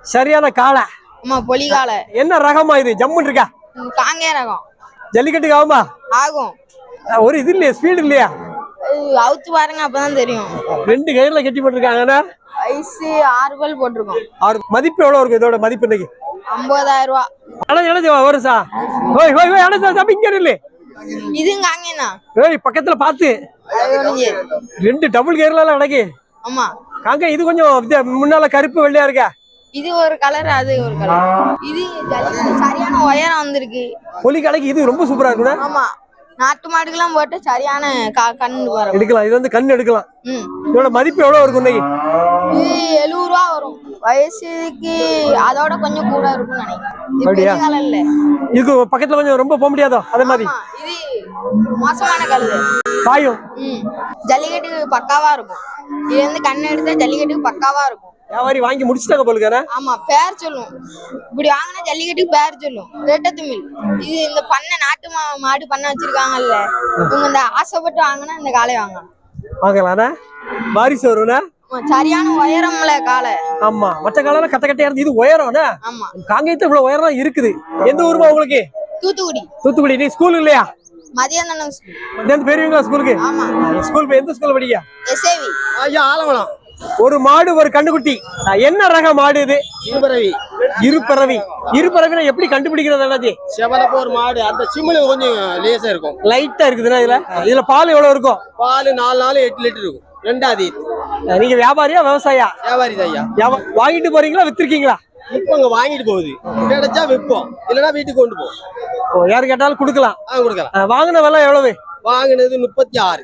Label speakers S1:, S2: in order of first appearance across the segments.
S1: சரியான காளை.
S2: ஆமா பொலி காளை.
S1: என்ன ரகமா இது? ஜம்முன்னு இருக்கா?
S2: காங்கே ரகம்.
S1: ஜல்லிக்கட்டுக்கு ஆகுமா?
S2: ஆகும்.
S1: ஒரு இது இல்லையா, ஸ்பீடு இல்லையா?
S2: அவுத்து பாருங்க அப்பதான் தெரியும்.
S1: 2 கயிறுல கட்டி போட்டுருக்காங்கன்னா
S2: ஐஸு 6 பல் போட்டிருக்கோம்.
S1: மதிப்பு எவ்வளவு இருக்கும் இதோட மதிப்பு இன்னைக்கு?
S2: 50,000 ரூபா.
S1: ஒரு சா ஓய் ஓய் ஓய் அட தம்பி இங்க இல்ல.
S2: இதுவும் காங்கேனா.
S1: ஏய் பக்கத்துல பாத்து. 2 டபுள் கயிறுல அடக்கி.
S2: ஆமா.
S1: காங்க இது கொஞ்சம் முன்னால கருப்பு வெள்ளையா இருக்கா.
S2: இது ஒரு கலர், அது ஒரு கலர். இது சரியான உயரம் வந்திருக்கு.
S1: பொலி கலைக்கு இது ரொம்ப சூப்பரா இருக்குடா.
S2: ஆமா. நாட்டு மாடுக்கெல்லாம் போட்டு சரியான கண்ணு வரும்.
S1: எடுக்கலாம். இது வந்து கண்ணு எடுக்கலாம். இதோட மதிப்பு எவ்வளவு இருக்கும் இன்னைக்கு?
S2: இது 70 ரூபா வரும். வயசுக்கு அதோட கொஞ்சம் கூட இருக்கும்னு நினைக்கிறேன்.
S1: இது பக்கத்துல கொஞ்சம் ரொம்ப போக முடியாதோ அதே மாதிரி.
S2: இது மோசமான கழுது.
S1: பாயும்.
S2: ஜல்லிக்கட்டுக்கு பக்காவா இருக்கும். இது வந்து கண்ணு எடுத்தா ஜல்லிக்கட்டுக்கு பக்காவா இருக்கும்.
S1: வியாபாரி வாங்கி முடிச்சுட்டாங்க போலுக்கார.
S2: ஆமா பேர் சொல்லும். இப்படி வாங்கினா ஜல்லிக்கட்டுக்கு பேர் சொல்லும். ரெட்டத்துமில். இது இந்த பண்ணை நாட்டு மாடு பண்ண வச்சிருக்காங்கல்ல, இவங்க இந்த ஆசைப்பட்டு வாங்கினா இந்த காளை
S1: வாங்கலாம்னா வாரிசு வரும்னா.
S2: சரியான உயரம்ல காளை.
S1: ஆமா மற்ற காலம் கட்ட கட்டையா இருந்து இது உயரம்னா.
S2: ஆமா
S1: காங்கேயத்துல இவ்வளவு உயரம் இருக்குது. எந்த ஊருமா உங்களுக்கு?
S2: தூத்துக்குடி.
S1: தூத்துக்குடி. நீ ஸ்கூல் இல்லையா?
S2: மதியானம் ஸ்கூல்.
S1: மதியானம் போயிருவீங்களா ஸ்கூலுக்கு?
S2: ஆமா.
S1: ஸ்கூல் எந்த ஸ்கூல்ல படிக்க?
S2: எஸ்ஏவி.
S1: ஐயா ஆலவனம். ஒரு மாடு ஒரு கண்ணுக்குட்டி. என்ன ரக மாடு இது?
S3: இருபறவி.
S1: இருபறவி. இருபறவினா எப்படி கண்டுபிடிக்கிறது? அண்ணாச்சி
S3: செவலப்ப ஒரு மாடு அந்த சிம்மில் கொஞ்சம் லேசா இருக்கும்,
S1: லைட்டா இருக்குதுன்னா இதுல பால் எவ்வளவு இருக்கும்?
S3: பால் 4 நாள் 8 லிட்டர் இருக்கும். 2ஆவது.
S1: நீங்க வியாபாரியா விவசாயியா?
S3: வியாபாரி தான் ஐயா.
S1: வாங்கிட்டு போறீங்களா வித்திருக்கீங்களா?
S3: இப்ப இங்க வாங்கிட்டு போகுது. கிடைச்சா விற்போம், இல்லன்னா வீட்டுக்கு கொண்டு போவோம்.
S1: யாரு கேட்டாலும் கொடுக்கலாம்.
S3: கொடுக்கலாம்.
S1: வாங்கின விலை எவ்வளவு?
S3: வாங்கினது 36.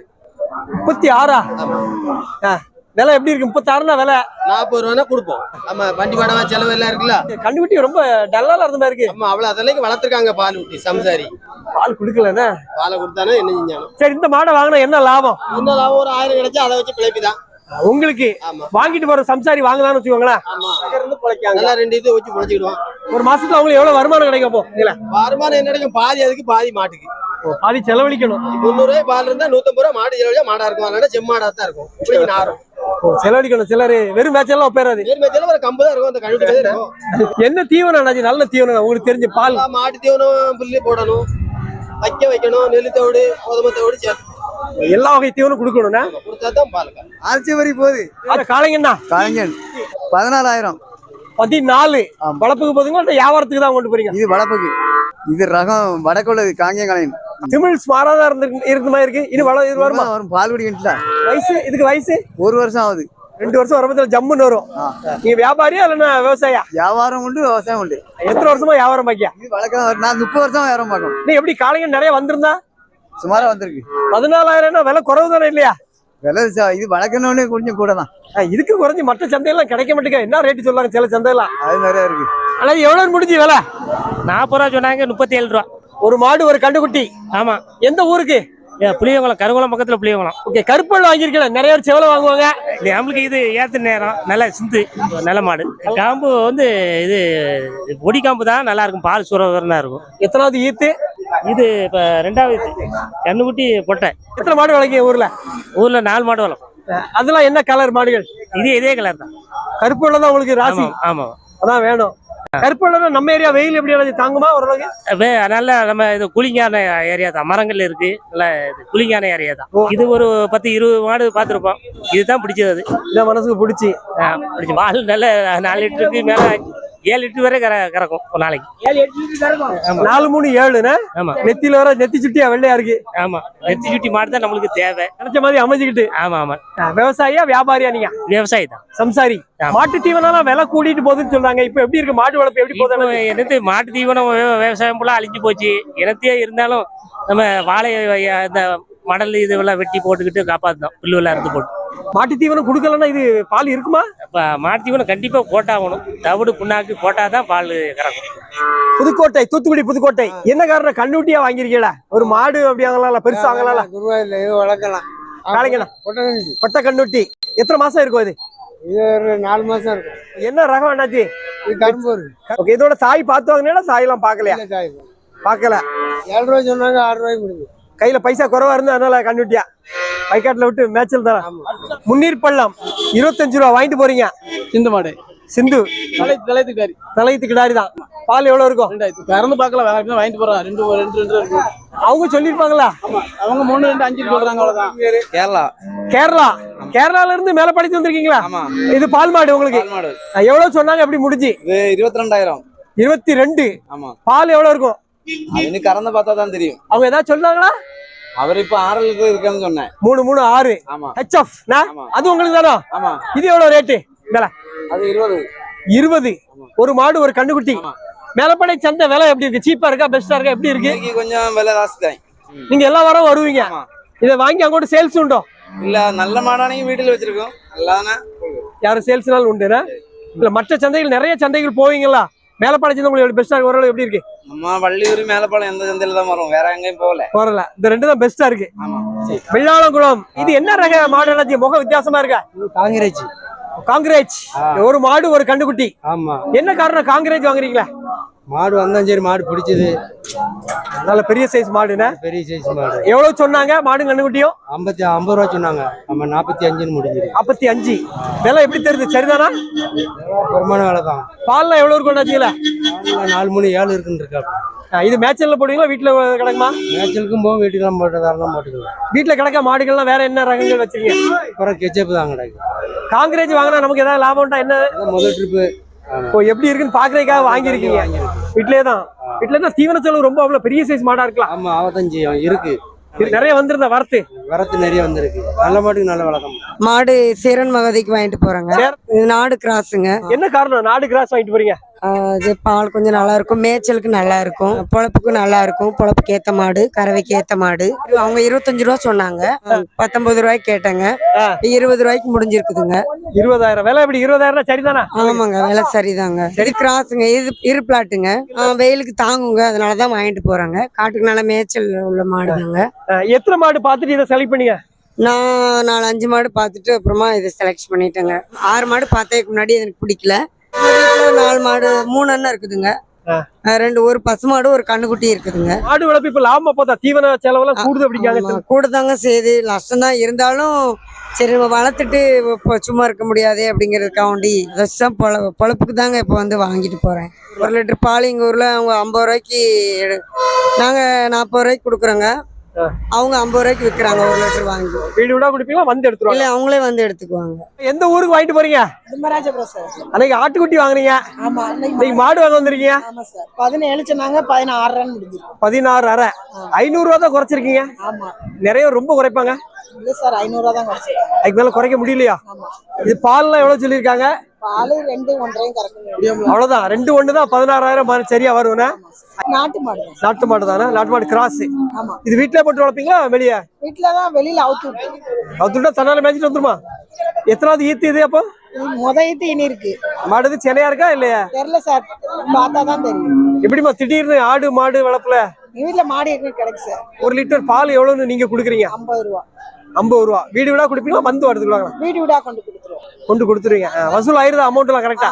S1: 36. விலை எப்படி இருக்கு? 36னா விலை
S3: 40 ரூபானா கொடுப்போம். நம்ம வண்டி வாடகை செலவு எல்லாம் இருக்குல்ல.
S1: கண்டுபிடி ரொம்ப டல்லால இருந்த மாதிரி இருக்கு.
S3: ஆமா அவ்வளவு அதெல்லாம் வளர்த்துருக்காங்க. பால் ஊட்டி சம்சாரி
S1: பால் குடுக்கலன்னா
S3: பாலை கொடுத்தானே என்ன செஞ்சாலும்.
S1: சரி இந்த மாடை வாங்கினா என்ன லாபம்?
S3: என்ன லாபம்? ஒரு 1000 கிடைச்சா அதை வச்சு பிழைப்புதான்
S1: உங்களுக்கு. வாங்கிட்டு போற சம்சாரி வாங்கலாம்னு வச்சுக்கோங்களேன்.
S3: நல்லா 2 இது வச்சு பிழைச்சிடுவோம்.
S1: ஒரு மாசத்துல அவங்களுக்கு எவ்வளவு வருமானம் கிடைக்கும்?
S3: வருமானம் என்ன கிடைக்கும்? பாதி அதுக்கு பாதி மாட்டுக்கு.
S1: பாதி செலவழிக்கணும்.
S3: 300 ரூபாய் பால் இருந்தா 150 ரூபாய் மாடு செலவழிச்சா மாடா இருக்கும். அதனால செம்மாடா தான் இருக்கும். இப்படி நாரும்
S1: செலவழிக்கணும். சிலரு வெறும் மேட்செல்லாம் ஒப்பேறாது.
S3: ஒரு கம்பு தான் இருக்கும். அந்த கழுவிட்டு இருக்கும்.
S1: என்ன தீவனம்? நல்ல தீவனம் உங்களுக்கு தெரிஞ்ச பால்.
S3: மாட்டு தீவனம் புல்லு போடணும், வைக்கணும். நெல் தவிடு கோதுமை தவிடு சேர்த்து
S1: எல்லா வகை தீவனம் கொடுக்கணும்னா
S3: கொடுத்தாதான் பால்.
S4: அரிசி வரி போகுது.
S1: காளைங்கண்ணா
S4: காளைங்கன் 14,000.
S1: 14. வளப்புக்கு போதுங்களா வியாபாரத்துக்கு தான் கொண்டு போறீங்க?
S4: இது வளப்புக்கு. இது ரகம் வடக்குள்ளது காங்கேய காளையன்.
S1: தமிழ் ஸ்மாராதான் இருந்த மாதிரி இருக்கு. இது வருமா?
S4: வரும். பால் குடிக்கிட்டல.
S1: வயசு இதுக்கு வயசு
S4: 1 வருஷம் ஆகுது.
S1: 2 வருஷம் வரும்போது ஜம்முன்னு வரும். நீங்க வியாபாரியா இல்லைன்னா விவசாயியா?
S4: வியாபாரம் உண்டு, விவசாயம் உண்டு.
S1: எத்தனை வருஷமா வியாபாரம் பாக்கியா?
S4: இது வழக்கம். நான் 30 வருஷம் வியாபாரம் பார்க்கணும்.
S1: நீ எப்படி காளைங்க நிறைய வந்திருந்தா?
S4: சுமாரா வந்திருக்கு.
S1: 14,000 விலை குறைவு தானே இல்லையா?
S4: விலை இது வழக்கணும்னு கொஞ்சம் கூட தான்.
S1: இதுக்கு குறைஞ்சி மற்ற சந்தையெல்லாம் கிடைக்க மாட்டேங்க. என்ன ரேட்டு சொல்லாங்க சில சந்தையெல்லாம்?
S4: அது நிறைய இருக்கு.
S1: ஆனா எவ்வளவு முடிஞ்சு விலை?
S5: 40 ரூபா சொன்னாங்க. 37 ரூபா.
S1: ஒரு மாடு ஒரு கண்டுக்குட்டி.
S5: ஆமா.
S1: எந்த ஊருக்கு?
S5: புளியங்குளம். கருங்குளம் பக்கத்துல புளியங்குளம்.
S1: ஓகே. கருப்பல் வாங்கியிருக்கேன். நிறைய பேர் செவலை வாங்குவாங்க.
S5: நம்மளுக்கு இது ஏத்து நேரம். நல்ல சிந்து நல்ல மாடு. காம்பு வந்து இது ஒடி காம்பு தான் நல்லா இருக்கும். பால் சுரவரனா இருக்கும்.
S1: எத்தனாவது ஈத்து
S5: இது? இப்ப 2வது கண்ணுக்குட்டி பொட்டை.
S1: எத்தனை மாடு வளர்க்கீங்க ஊர்ல?
S5: ஊர்ல 4 மாடு வளர்க்கும்.
S1: அதெல்லாம் என்ன கலர் மாடுகள்?
S5: இதே கலர் தான்.
S1: கருப்பு தான் உங்களுக்கு ராசி.
S5: ஆமா
S1: அதான் வேணும். கருப்பு நம்ம ஏரியா வெயில் எப்படி தாங்குமா ஓரளவுக்கு?
S5: நல்ல நம்ம இது கூலிங்கான ஏரியா தான். மரங்கள் இருக்கு. நல்ல கூலிங்கான ஏரியா தான். இது ஒரு 10-20 மாடு பார்த்துருப்போம். இதுதான் பிடிச்சது.
S1: இதான் மனசுக்கு பிடிச்சி
S5: பால் நல்ல 4 லிட்டருக்கு மேல 7 லிட்டர் வரை கறக்கும் ஒரு நாளைக்கு.
S1: 4, 3, 7.
S5: ஆமா.
S1: நெத்தியில வர நெத்தி சுட்டியா வெள்ளையா இருக்கு.
S5: ஆமா. நெத்தி சுட்டி மாடு தான் நம்மளுக்கு தேவை.
S1: நினைச்ச மாதிரி அமைஞ்சுக்கிட்டு.
S5: ஆமா.
S1: விவசாயியா வியாபாரியா? நீங்க
S5: விவசாயி தான்.
S1: சம்சாரி. மாட்டு தீவனம் விலை கூட்டிட்டு போகுதுன்னு சொல்றாங்க. இப்ப எப்படி இருக்கு மாடு வளர்ப்பு? எப்படி போகுது?
S5: எனக்கு மாட்டு தீவனம் விவசாயம் போல அழிஞ்சு போச்சு. எனத்தையே இருந்தாலும் நம்ம வாழை இந்த மடல் இதுவெல்லாம் வெட்டி போட்டுக்கிட்டு காப்பாத்தோம். புல்லுவெல்லாம் இருந்து போட்டு.
S1: மாட்டு தீவனம் கொடுக்கலன்னா இது பால் இருக்குமா?
S5: மாட்டு தீவனம் கண்டிப்பா போட்டாகணும். தவிடு புண்ணாக்கு போட்டாதான் பால் கறக்கும்.
S1: புதுக்கோட்டை. தூத்துக்குடி புதுக்கோட்டை. என்ன காரணம்? கண்ணுட்டியா வாங்கிருக்கீங்களா? ஒரு மாடு அப்படி வாங்கலாம், பெருசா வாங்கலாம்.
S4: வளர்க்கலாம்.
S1: காளைங்கண்ணா கொட்டை கண்ணுட்டி. எத்தனை மாசம் இருக்கும் இது?
S4: இது ஒரு 4 மாசம் இருக்கும்.
S1: என்ன ரகம் என்னாச்சு?
S4: இது கரும்பு.
S1: ஓகே. இதோட தாய் பார்த்து வாங்கினா தாய் எல்லாம் பாக்கலையா? பாக்கல.
S4: 7 ரூபாய் சொன்னாங்க. 6 ரூபாய்க்கு முடிஞ்சு.
S1: கையில பைசா குறைவா இருந்தா அதனால கண்ணுட்டியா வைக்காட்டுல விட்டு மேட்சல் தான். முன்னீர் பள்ளம் 25 ரூபா வாங்கிட்டு போறீங்க.
S4: இந்த மாடு
S1: சிந்து
S3: தலைத்துக்காரி
S1: தலையத்து கிடாரி தான். பால் எவ்வளவு இருக்கும்?
S3: 2000 கறந்து பார்க்கல வாங்கிட்டு போறான். ரெண்டு இருக்கு.
S1: அவங்க சொல்லிருப்பாங்களா?
S3: அவங்க 3 2 5 சொல்றாங்க. அவ்வளவுதான்.
S4: கேரளா.
S1: கேரளா. கேரளால இருந்து மேல படிச்சு வந்திருக்கீங்களா?
S4: ஆமா.
S1: இது பால் மாடு உங்களுக்கு
S4: மாடு.
S1: எவ்வளவு சொன்னாங்க? எப்படி முடிஞ்சு?
S4: இது 22,000.
S1: 22.
S4: ஆமா.
S1: பால் எவ்வளவு இருக்கும்?
S4: அது இன்னும் கறந்து பார்த்தா தான் தெரியும்.
S1: அவங்க ஏதாவது சொன்னாங்களா?
S4: அவர் இப்ப 6 லிட்டர் இருக்குன்னு சொன்னேன்.
S1: 3 3 6.
S4: ஆமா.
S1: HF அது உங்களுக்கு தானா?
S4: ஆமா.
S1: இது எவ்வளவு ரேட்டு?
S4: அது 20.
S1: 20. ஒரு மாடு ஒரு கண்ணுக்குட்டி. மேலப்படை சந்தை விலை எப்படி இருக்கு? சீப்பா இருக்கா பெஸ்டா இருக்கா எப்படி இருக்கு?
S4: இன்னைக்கு கொஞ்சம் விலை ஜாஸ்தி தான்.
S1: நீங்க எல்லா வாரம் வருவீங்க. இதை வாங்கி அங்கோட சேல்ஸ் உண்டோ?
S4: இல்ல நல்ல மாடானையும் வீட்டுல வச்சிருக்கோம். நல்லாதானே
S1: யாரும் சேல்ஸ்னாலும் உண்டுனா? இல்ல மற்ற சந்தைகள் நிறைய சந்தைகள் போவீங்களா? மேலப்பாளைய சந்தை உங்களுக்கு பெஸ்டா இருக்கு? ஓரளவு எப்படி இருக்கு?
S4: நம்ம வள்ளியூர் மேலப்பாளையம் எந்த சந்தையில தான் வரும், வேற எங்கேயும் போகல.
S1: போறல. இந்த ரெண்டு தான் பெஸ்டா இருக்கு.
S4: ஆமா.
S1: வெள்ளாளங்குளம். இது என்ன ரக மாடு? முகம் வித்தியாசமா இருக்கா?
S3: காங்கிரேஜ்.
S1: காங்கிரேஜ். ஒரு மாடு ஒரு கண்டுக்குட்டி.
S3: ஆமா.
S1: என்ன காரணம் காங்கிரேஜ் வாங்குறீங்களா?
S3: மாடு வந்தாலும் சரி, மாடு பிடிச்சது.
S1: நல்ல பெரிய சைஸ் மாடுனா?
S3: பெரிய சைஸ் மாடு.
S1: எவ்வளவு சொன்னாங்க மாடு கண்டுக்குட்டியும்?
S3: 50 ரூபா சொன்னாங்க. நம்ம 45 முடிஞ்சிருக்கு.
S1: 45. விலை எப்படி தெரியுது? சரிதானா?
S3: வருமான வேலை தான்.
S1: பால்லாம் எவ்வளவு இருக்கும்?
S3: 4 3 7 இருக்குன்னு இருக்கா.
S1: இது மேய்ச்சல்ல போடுவீங்களா வீட்டுல கிடக்குமா?
S3: மேய்ச்சலுக்கும் போகும், வீட்டுக்கெல்லாம் போட்டதாரெல்லாம் போட்டுக்கலாம்.
S1: வீட்டுல கிடக்க மாடுகள்லாம் வேற என்ன ரகங்கள் வச்சிருக்கீங்க?
S3: அப்புறம் கெச்சப்பு தான் கிடக்கு.
S1: காங்கிரேஜ் வாங்கினா நமக்கு ஏதாவது லாபம் உண்டா? என்ன
S3: முதல் ட்ரிப்பு
S1: எப்படி இருக்குன்னு பாக்குறதுக்காக வாங்கிருக்கீங்க? வீட்லயே தான் தீவன செலவு ரொம்ப அவ்வளவு பெரிய சைஸ் மாடா இருக்கலாம்.
S3: ஆமா, அவத்தஞ்சு இருக்கு.
S1: நிறைய வந்திருந்தா வரத்து
S3: நிறைய வந்திருக்கு. நல்ல மாட்டுக்கு நல்ல வழக்கம்.
S6: மாடு சேரன் மகதிக்கு வாங்கிட்டு போறாங்க. இது நாடு கிராஸுங்க.
S1: என்ன காரணம் நாடு கிராஸ் வாங்கிட்டு போறீங்க?
S6: இது பால் கொஞ்சம் நல்லா இருக்கும், மேய்ச்சலுக்கு நல்லா இருக்கும், பொழப்புக்கு நல்லா இருக்கும். பொழப்புக்கு ஏத்த மாடு, கறவைக்கு ஏத்த மாடு. அவங்க 25 ரூபா சொன்னாங்க. 19 ரூபாய்க்கு கேட்டாங்க. 20 ரூபாய்க்கு முடிஞ்சிருக்குதுங்க.
S1: 20,000 விலை எப்படி? 20,000 சரிதானா?
S6: ஆமாங்க, விலை சரிதாங்க. இது கிராஸுங்க. இது பிளாட்டுங்க. வெயிலுக்கு தாங்குங்க, அதனாலதான் வாங்கிட்டு போறாங்க. காட்டுக்கு நல்ல மேய்ச்சல் உள்ள மாடுதாங்க.
S1: எத்தனை மாடு பாத்துட்டு இதை செலக்ட் பண்ணீங்க?
S6: நான் 4 5 மாடு பார்த்துட்டு அப்புறமா இதை செலக்ட் பண்ணிட்டேங்க. 6 மாடு பார்த்ததுக்கு முன்னாடி எனக்கு பிடிக்கல. 4 மாடு 3 அண்ணன் இருக்குதுங்க. 2 ஒரு பசுமாடு ஒரு கண்ணுக்குட்டி இருக்குதுங்க.
S1: மாடு வளர்ப்பு இப்ப லாபமா பார்த்தா தீவன செலவெல்லாம் கூடுது அப்படிங்காங்க.
S6: கூட தாங்க செய்யுது, நஷ்டம் தான். இருந்தாலும் சரி நம்ம வளர்த்துட்டு இப்போ சும்மா இருக்க முடியாது அப்படிங்கிறதுக்காண்டி தான் பொழப்புக்கு தாங்க இப்போ வந்து வாங்கிட்டு போறேன். 1 லிட்டர் பால் எங்கள் ஊர்ல அவங்க 50 ரூபாய்க்கு, நாங்கள் 40 ரூபாய்க்கு கொடுக்குறோங்க. அவங்க 50 ரூபாய்க்கு விற்கிறாங்க 1 லிட்டர் வாங்கி.
S1: வீடு விடா குடிப்பீங்களா? வந்து எடுத்துருவாங்க?
S6: இல்ல, அவங்களே வந்து எடுத்துக்குவாங்க.
S1: எந்த ஊருக்கு வாங்கிட்டு போறீங்க?
S7: திம்மராஜபுரம் சார்.
S1: அன்னைக்கு ஆட்டுக்குட்டி வாங்குறீங்க.
S7: ஆமா,
S1: இன்னைக்கு மாடு வாங்க வந்திருக்கீங்க.
S7: ஆமா சார். 17 சொன்னாங்க, 16 ரன் முடிஞ்சிருக்கு.
S1: 16,500. 500 ரூபா தான் குறைச்சிருக்கீங்க.
S7: ஆமா.
S1: நிறைய ரொம்ப குறைப்பாங்க.
S7: இல்ல சார், 500 ரூபா தான் குறைச்சிருக்கேன்.
S1: அதுக்கு மேல குறைக்க முடியலையா?
S7: ஆமா.
S1: இது பால்லாம் எவ்வளவு சொல்லியிருக்காங்க?
S7: பால் 2 1.5 கறக்குங்க.
S1: அவ்வளவுதான். 2 1 தான் 16,000 சரியா வரும்னா?
S7: நாட்டு மாடு தான்.
S1: நாட்டு மாடு தானே? நாட்டு மாடு கிராஸ்.
S7: ஆமா.
S1: இது வீட்டுல போட்டு வளர்ப்பீங்களா வெளியே?
S7: வீட்டுலதான், வெளியில அவுத்து விட்டு.
S1: அவுத்துட்டா தன்னால மேய்ச்சிட்டு வந்துருமா? எத்தனாவது ஈத்து இது? அப்போ
S7: முதத்து இனி இருக்கு.
S1: மாடு சென்னையா இருக்கா இல்லையா?
S7: தெரியல சார், பார்த்தா தான் தெரியும்.
S1: எப்படிமா திடீர்னு ஆடு மாடு வளர்ப்புல
S7: வீட்டுல மாடு இருக்கு கிடைக்கு சார்.
S1: 1 லிட்டர் பால் எவ்வளவுன்னு நீங்க குடுக்குறீங்க?
S7: 50 ரூபா.
S1: 50 ரூபா. வீடு விடா குடுப்பீங்களா? வந்து எடுத்துக்குவாங்களா?
S7: வீடு விடா கொண்டு கொடுத்துருவோம்.
S1: கொண்டு கொடுத்துருவீங்க. வசூல் ஆயிருது அமௌண்ட் எல்லாம் கரெக்டா?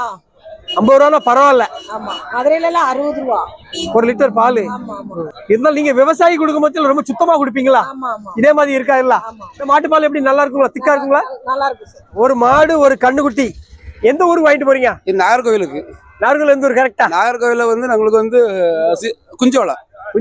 S1: 50 ரூபா பரவாயில்ல.
S7: ஆமா, மதுரையில எல்லாம் 60 ரூபா
S1: 1 லிட்டர் பால். இருந்தாலும் நீங்க விவசாயி கொடுக்கும் போது ரொம்ப சுத்தமா குடிப்பீங்களா? இதே மாதிரி இருக்கா? இல்ல மாட்டு பால் எப்படி நல்லா இருக்குங்களா? திக்கா இருக்குங்களா?
S7: நல்லா இருக்கு சார்.
S1: ஒரு மாடு ஒரு கண்ணுக்குட்டி. எந்த ஊருக்கு வாங்கிட்டு போறீங்க?
S4: நாகர்கோவிலுக்கு.
S1: நாகர்கோவில் எந்த ஊர் கரெக்டா?
S4: நாகர்கோவில வந்து நம்மளுக்கு வந்து குஞ்சோலை.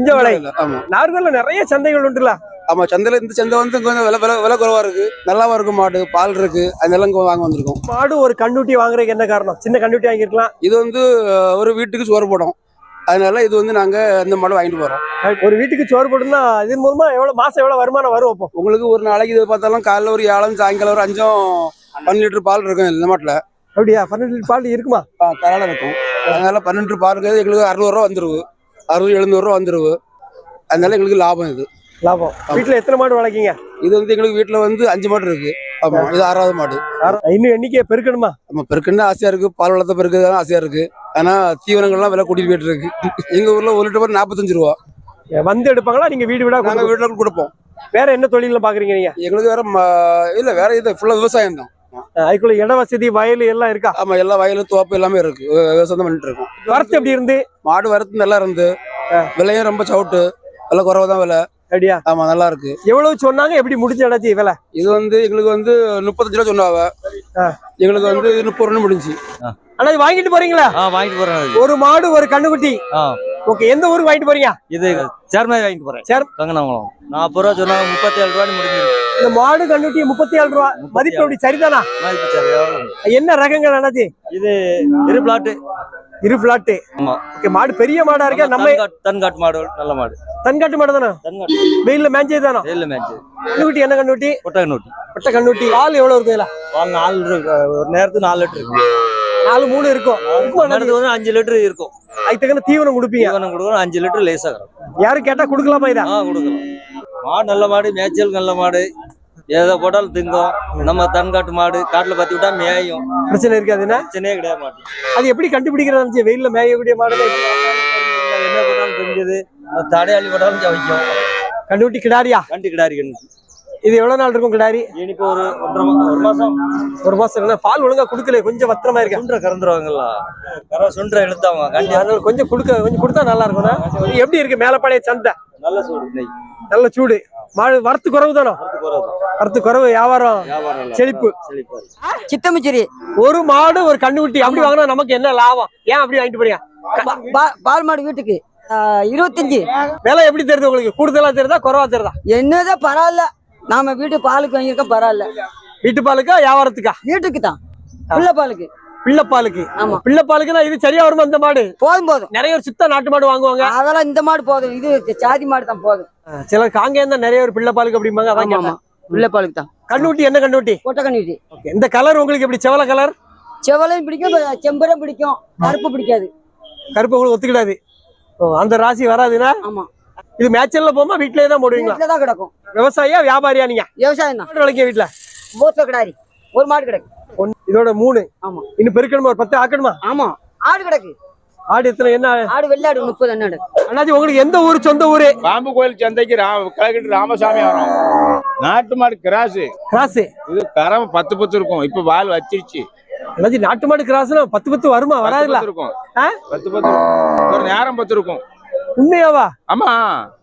S1: ஆமா. நாகர்கோவில்ல நிறைய சந்தைகள் உண்டுல.
S4: ஆமா, சந்தையில இந்த சந்தை வந்து கொஞ்சம் விலை குறைவா இருக்கு. நல்லாவா இருக்கும். மாடு பால் இருக்கு, அதெல்லாம் வாங்க வந்திருக்கோம்.
S1: மாடு ஒரு கண்ணுட்டி வாங்குறதுக்கு என்ன காரணம்? சின்ன கண்ணுட்டி வாங்கிருக்கலாம்.
S4: இது வந்து ஒரு வீட்டுக்கு சோறு போடும், அதனால இது வந்து நாங்க இந்த மாடு வாங்கிட்டு போறோம்.
S1: ஒரு வீட்டுக்கு சோறு போடுனா இதன் மூலமா மாசம் எவ்வளவு வருமானம் வரும்? அப்போ
S4: உங்களுக்கு ஒரு நாளைக்கு இது பார்த்தாலும் காலைல ஒரு 7 சாயங்காலம் ஒரு 5 12 லிட்டர் பால் இருக்கும் இந்த மாட்டுல.
S1: அப்படியா? 12 லிட்டர் பால் இருக்குமா?
S4: தரால இருக்கும். அதனால 12 லிட்டர் பால் இருக்குது. எங்களுக்கு 600 ரூபா வந்துருவு, 60 700 ரூபா வந்துருவு. அதனால எங்களுக்கு லாபம். இது லாபம்.
S1: வீட்டுல எத்தனை மாடு வளர்க்கீங்க?
S4: இது வந்து எங்களுக்கு வீட்டுல வந்து 5 மாடு இருக்கு. ஆமா, இது 6வது மாடு.
S1: இன்னும் எண்ணிக்கையை பெருக்கணுமா?
S4: ஆமா, பெருக்குன்னு ஆசையா இருக்கு. பால் வளர்த்த பெருக்குதான் ஆசையா இருக்கு. ஆனா தீவனங்கள்லாம் விலை கூட்டிட்டு போயிட்டு இருக்கு. எங்க ஊர்ல 1 லிட்டர் 45 ரூபா.
S1: வந்து எடுப்பாங்களா? நீங்க வீடு விடா?
S4: நாங்க வீட்டுல கொடுப்போம்.
S1: வேற என்ன தொழில பாக்குறீங்க நீங்க?
S4: எங்களுக்கு வேற இல்ல, வேற இது ஃபுல்லா விவசாயம் தான்.
S1: அதுக்குள்ள இட வசதி வயல் எல்லாம் இருக்கா?
S4: ஆமா, எல்லா வயலு தோப்பு எல்லாமே இருக்கு. விவசாயம் பண்ணிட்டு இருக்கோம்.
S1: வரத்து எப்படி இருந்து?
S4: மாடு வரத்து நல்லா இருந்து, விலையும் ரொம்ப சவுட்டு, விலை குறைவாதான் விலை.
S1: அப்படியா?
S4: ஆமா, நல்லா இருக்கு.
S1: எவ்வளவு சொன்னாங்க? எப்படி முடிஞ்சு விலை?
S4: இது வந்து எங்களுக்கு வந்து 35 ரூபா சொன்னாவ. எங்களுக்கு வந்து 30 ரூபா முடிஞ்சு.
S1: அண்ணா இது வாங்கிட்டு போறீங்களா?
S8: வாங்கிட்டு போறேன்.
S1: ஒரு மாடு ஒரு கண்ணுக்குட்டி. ஓகே, எந்த ஊருக்கு வாங்கிட்டு போறீங்க?
S8: இது சேர்மாய் வாங்கிட்டு போறேன். கங்கனகுளம். 40 ரூபா சொன்னாங்க, 37 ரூபாய் முடிஞ்சிருக்கு.
S1: இந்த மாடு கண்ணுட்டி 37 ரூபா மதிப்பு எப்படி சரிதானா? என்ன ரகங்கள் அண்ணாச்சி?
S8: இது இரு பிளாட்.
S1: இரு பிளாட்.
S8: ஆமா.
S1: ஓகே, மாடு பெரிய மாடா இருக்கா? நம்ம
S8: தன்காட்டு மாடு, நல்ல மாடு.
S1: தன்காட்டு மாடு தானே?
S8: தன்காட்டு.
S1: வெயில்ல மேஞ்சே தானே?
S8: வெயில்ல மேஞ்சு.
S1: கண்ணுக்குட்டி என்ன கண்ணுட்டி?
S8: கொட்டை கண்ணுட்டி.
S1: கொட்டை கண்ணுட்டி. பால் எவ்வளவு இருக்கு இதுல?
S8: பால் 4 இருக்கு. ஒரு நேரத்துக்கு 4 லிட்டர் இருக்கு.
S1: 4-3 இருக்கும்.
S8: நேரத்துக்கு வந்து 5 லிட்டர் இருக்கும்.
S1: அதுக்கு தகுந்த தீவனம் கொடுப்பீங்க?
S8: தீவனம் கொடுக்கணும். 5 லிட்டர் லேசா இருக்கும்.
S1: யாரும் கேட்டா கொடுக்கலாமா இதா?
S8: கொடுக்கலாம். மாடு நல்ல மாடு, மேய்ச்சல் நல்ல மாடு. எதை போட்டாலும் திங்கும். நம்ம தன்காட்டு மாடு காட்டுல பத்தி விட்டா மேயும்.
S1: பிரச்சனை இருக்காது. என்ன
S8: பிரச்சனையே கிடையாது மாட்டு.
S1: அது எப்படி கண்டுபிடிக்கிறது? வெயில்ல மேயக்கூடிய மாடு
S8: என்ன போட்டாலும் தெரிஞ்சது. தடையாளி போட்டாலும் வைக்கும்.
S1: கண்டுபிடி கிடாரியா?
S8: கண்டு கிடாரி கண்டு.
S1: இது எவ்வளவு நாள் இருக்கும் கிடாரி?
S8: எனக்கு ஒரு 1 மாசம்.
S1: 1 மாசம். பால் ஒழுங்கா குடுக்கல, கொஞ்சம் பத்திரமா இருக்கு.
S8: சுண்டை கறந்துருவாங்கல்ல, சுண்டை இழுத்தாங்க.
S1: அதனால கொஞ்சம் கொடுத்தா நல்லா இருக்கும். எப்படி இருக்கு மேலப்பாளைய சந்தை?
S8: நல்ல சூடு நெய்,
S1: நல்ல சூடு. மாடு வரத்து குறைவு தானோ? வரத்து குறைவு, வியாபாரம் செழிப்பு.
S6: சித்தமிச்சேரி.
S1: ஒரு மாடு ஒரு கண்ணுக்குட்டி அப்படி வாங்கினா நமக்கு என்ன லாபம்? ஏன் அப்படி வாங்கிட்டு போறீங்க?
S6: பால் மாடு வீட்டுக்கு 25.
S1: விலை எப்படி தெரியுது உங்களுக்கு? கூடுதலா தெரியுதா குறைவா தெரியுதா?
S6: என்னதான் பரவாயில்ல, நாம வீட்டு பாலுக்கு வாங்கியிருக்கோம், பரவாயில்ல.
S1: வீட்டு பாலுக்கா வியாபாரத்துக்கா?
S6: வீட்டுக்கு தான், பிள்ளை பாலுக்கு.
S1: பிள்ளைப்பாலுக்கு.
S6: ஆமா,
S1: பிள்ளைப்பாலுக்குன்னா இது சரியா வருமா? இந்த மாடு
S6: போதும்.
S1: நிறைய ஒரு சுத்த நாட்டு மாடு வாங்குவாங்க.
S6: அதெல்லாம் இந்த மாடு போதும். இது சாதி மாடு தான் போதும்.
S1: சிலர் காங்கேயம் தான் நிறைய ஒரு பிள்ளைப்பாலுக்கு அப்படிம்பாங்க. அதான் கேட்டேன்.
S6: பிள்ளை பாலுக்கு தான்.
S1: கண்ணுட்டி என்ன கண்ணுட்டி?
S6: கொட்டை கண்ணுட்டி.
S1: இந்த கலர் உங்களுக்கு எப்படி? செவல கலர்?
S6: செவலையும் பிடிக்கும், செம்பரம் பிடிக்கும், கருப்பு பிடிக்காது.
S1: கருப்பு உங்களுக்கு ஒத்துக்கிடாது. அந்த ராசி வராதுன்னா?
S6: ஆமா.
S1: இது மேட்சல்ல போமா வீட்லயே தான் போடுவீங்களா?
S6: வீட்டுல தான் கிடக்கும்.
S1: விவசாயியா வியாபாரியா நீங்க?
S6: விவசாயம் தான்.
S1: மாடு வளர்க்க வீட்டுல
S6: மூத்த கிடாரி ஒரு மாடு கிடக்கு.
S1: இதோட 3.
S6: ஆமா.
S1: இன்னும் பெருக்கணுமா? ஒரு 10 ஆக்கணுமா?
S6: ஆமா. ஆடு கிடக்கு.
S1: ஆடு எத்தனை? என்ன
S6: ஆடு? வெள்ளாடு 30 அண்ணாடு.
S1: அண்ணாச்சி, உங்களுக்கு எந்த ஊரு? சொந்த ஊரு?
S9: பாம்பு கோயில் சந்தைக்கு கிழக்கிட்டு ராமசாமி வரும். நாட்டு மாடு கிராஸ்.
S1: கிராஸ்.
S9: இது கரம் 10 இருக்கும். இப்ப வால் வச்சிருச்சு.
S1: அண்ணாச்சி, நாட்டு மாடு கிராஸ்னா 10 வருமா? வராதுல்ல?
S9: இருக்கும்.
S1: 10
S9: இருக்கும். ஒரு நேரம் 10 இருக்கும்.
S1: உண்மையாவா?
S9: ஆமா.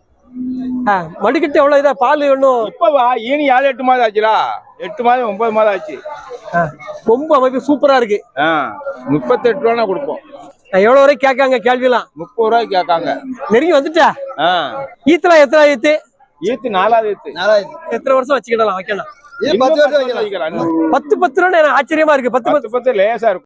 S1: மடிக்கிட்டு எவ்வளவு இதா பால் ஒண்ணும்?
S9: இப்ப ஈனி 7-8 மாதம் ஆச்சுலா. 8 மாதம் 9 மாதம் ஆச்சு.
S1: கொம்பு அமைப்பு சூப்பரா இருக்கு.
S9: 38 ரூபா கொடுப்போம்.
S1: எவ்வளவு வரைக்கும் கேட்காங்க கேள்விலாம்?
S9: 30 ரூபாய்க்கு கேட்காங்க.
S1: நெருங்கி வந்துட்டா? ஈத்தலாம் எத்தனை ஈத்து?
S9: ஈத்து 4வது ஈத்து.
S1: எத்தனை வருஷம் வச்சுக்கிடலாம்? வைக்கலாம்.
S9: 10 வருஷம் வைக்கலாம்.
S1: 10 ரூபான்னு எனக்கு ஆச்சரியமா இருக்கு. 10
S9: லேசா இருக்கும்.